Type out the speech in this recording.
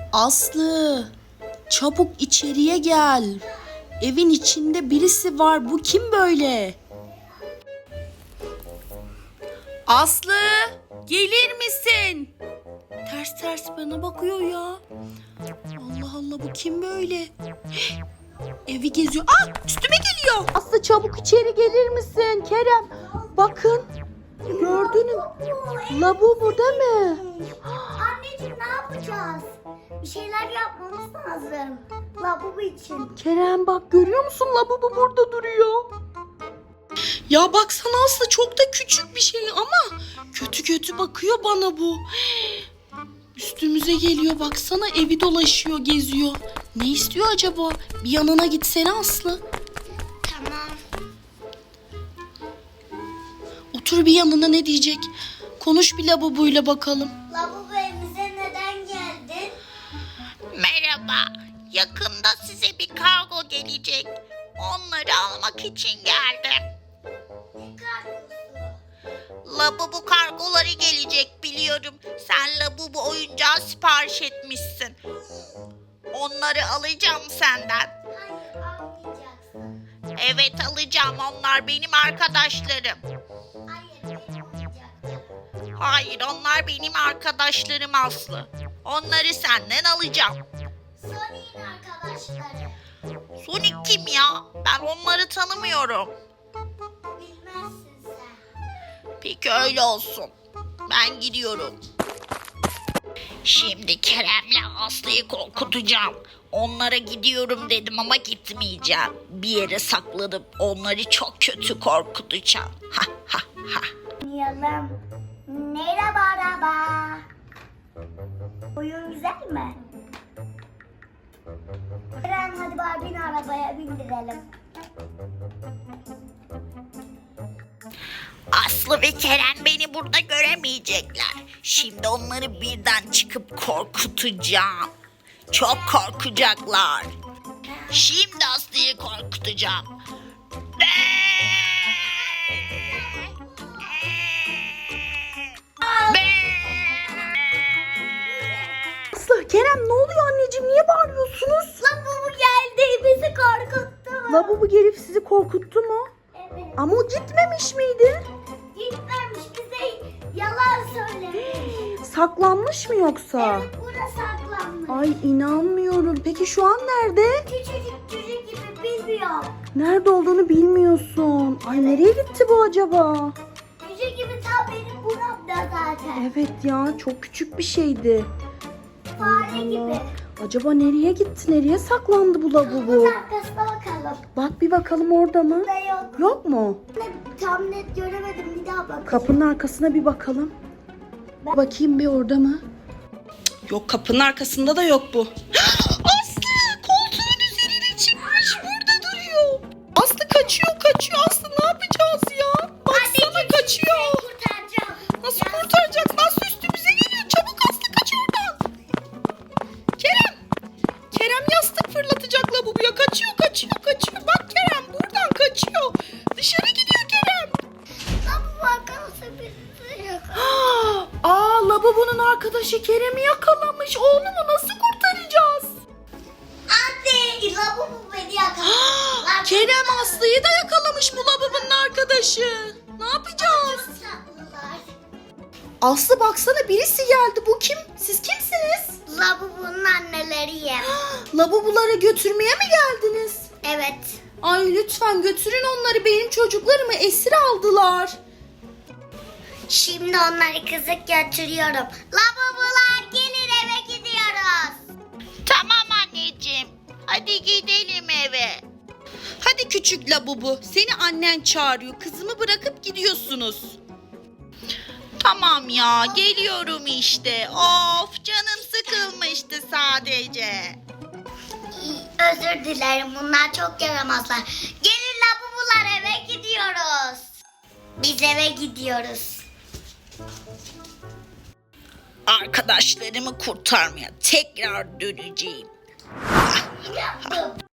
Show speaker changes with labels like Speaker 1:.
Speaker 1: Aslı, çabuk içeriye gel. Evin içinde birisi var. Bu kim böyle? Aslı, gelir misin? Ters ters bana bakıyor ya. Allah Allah, bu kim böyle? Evi geziyor. Üstüme geliyor. Aslı, çabuk içeri gelir misin? Kerem, bakın. Gördün mü? Labubu değil mi?
Speaker 2: Anneciğim, ne yapacağız? Bir şeyler yapmamız lazım. Labubu için.
Speaker 1: Kerem, bak görüyor musun? Labubu burada duruyor. Ya baksana Aslı, çok da küçük bir şey ama kötü kötü bakıyor bana bu. Üstümüze geliyor, baksana, evi dolaşıyor, geziyor. Ne istiyor acaba? Bir yanına gitsene Aslı.
Speaker 2: Tamam.
Speaker 1: Otur bir yanına, ne diyecek? Konuş bir Labubu'yla bakalım.
Speaker 2: Labubu, evimize neden geldin?
Speaker 3: Merhaba, yakında size bir kargo gelecek. Onları almak için geldim.
Speaker 2: Ne kargosu?
Speaker 3: Labubu kargoları gelecek biliyorum. Sen Labubu oyuncağı sipariş etmişsin. Onları alacağım senden.
Speaker 2: Hayır, almayacaksın.
Speaker 3: Evet, alacağım, onlar benim arkadaşlarım.
Speaker 2: Hayır, benim oyuncaklarım.
Speaker 3: Hayır, onlar benim arkadaşlarım Aslı. Onları senden alacağım.
Speaker 2: Sonic'in arkadaşları.
Speaker 3: Sonic kim ya? Ben onları tanımıyorum.
Speaker 2: Bilmezsin sen.
Speaker 3: Peki öyle olsun. Ben gidiyorum. Şimdi Kerem'le Aslı'yı korkutacağım. Onlara gidiyorum dedim ama gitmeyeceğim. Bir yere saklanıp onları çok kötü korkutacağım. Ha ha ha.
Speaker 2: Oynayalım. Merhaba araba. Oyun güzel mi? Eren, hadi Barbie'ni arabaya bindirelim.
Speaker 3: Aslı ve Kerem beni burada göremeyecekler. Şimdi onları birden çıkıp korkutacağım. Çok korkacaklar. Şimdi Aslı'yı korkutacağım.
Speaker 1: Aslı, Kerem, ne oluyor anneciğim? Niye bağırıyorsunuz?
Speaker 2: Labubu geldi, bizi korkuttu.
Speaker 1: Labubu gelip sizi korkuttu mu?
Speaker 2: Evet.
Speaker 1: Ama o gitmemiş miydi?
Speaker 2: Gitmemiş, bize yalan söylemiş.
Speaker 1: Saklanmış mı yoksa?
Speaker 2: Evet, burada saklanmış.
Speaker 1: Ay, inanmıyorum. Peki şu an nerede?
Speaker 2: Küçücük çocuk gibi, bilmiyorum.
Speaker 1: Nerede olduğunu bilmiyorsun. Ay, nereye gitti bu acaba?
Speaker 2: Çocuk gibi tam benim buramda zaten.
Speaker 1: Evet ya, çok küçük bir şeydi.
Speaker 2: Fare gibi.
Speaker 1: Acaba nereye gitti? Nereye saklandı bu Labubu?
Speaker 2: Bunun arkasına bakalım.
Speaker 1: Bak bir bakalım, orada mı?
Speaker 2: Burada yok.
Speaker 1: Yok mu?
Speaker 2: Tam net göremedim, bir daha bakayım.
Speaker 1: Kapının arkasına bir bakalım. Bakayım bir, orada mı? Yok, kapının arkasında da yok bu. Aslı, koltuğun üzerine çıkmış, burada duruyor. Aslı kaçıyor. Aslı, ne yapacağız ya? Baksana, kaçıyor.
Speaker 2: Kurtaracağım.
Speaker 1: Nasıl kurtaracaksın? Aslı üstümüze geliyor. Çabuk Aslı, kaç oradan. Kerem yastık fırlatacak Labubu'ya. Kaçıyor. Bak Kerem, buradan kaçıyor. Dışarı gidiyor Kerem.
Speaker 2: Labubu arkadaşı bizi yok.
Speaker 1: Labubu'nun arkadaşı Kerem'i yakalamış. Oğlumu nasıl kurtaracağız?
Speaker 2: Anne, Labubu beni yakaladı.
Speaker 1: Kerem Aslı'yı da yakalamış bu Labubu'nun arkadaşı. Ne yapacağız?
Speaker 2: Tatlılar.
Speaker 1: Aslı, baksana, birisi geldi. Bu kim? Siz kimsiniz?
Speaker 2: Labubu'nun anneleriyim.
Speaker 1: Labubuları götürmeye mi geldiniz?
Speaker 2: Evet.
Speaker 1: Ay, lütfen götürün onları. Benim çocuklarımı esir aldılar.
Speaker 2: Şimdi onları kızık götürüyorum. Labubular, gelin, eve gidiyoruz.
Speaker 3: Tamam anneciğim. Hadi gidelim eve.
Speaker 1: Hadi küçük Labubu, seni annen çağırıyor. Kızımı bırakıp gidiyorsunuz.
Speaker 3: Tamam ya, geliyorum işte. Of, canım sıkılmıştı sadece.
Speaker 2: Özür dilerim, bunlar çok yaramazlar. Gelin Labubular, eve gidiyoruz. Biz eve gidiyoruz.
Speaker 3: Arkadaşlarımı kurtarmaya tekrar döneceğim.
Speaker 2: Yaptım.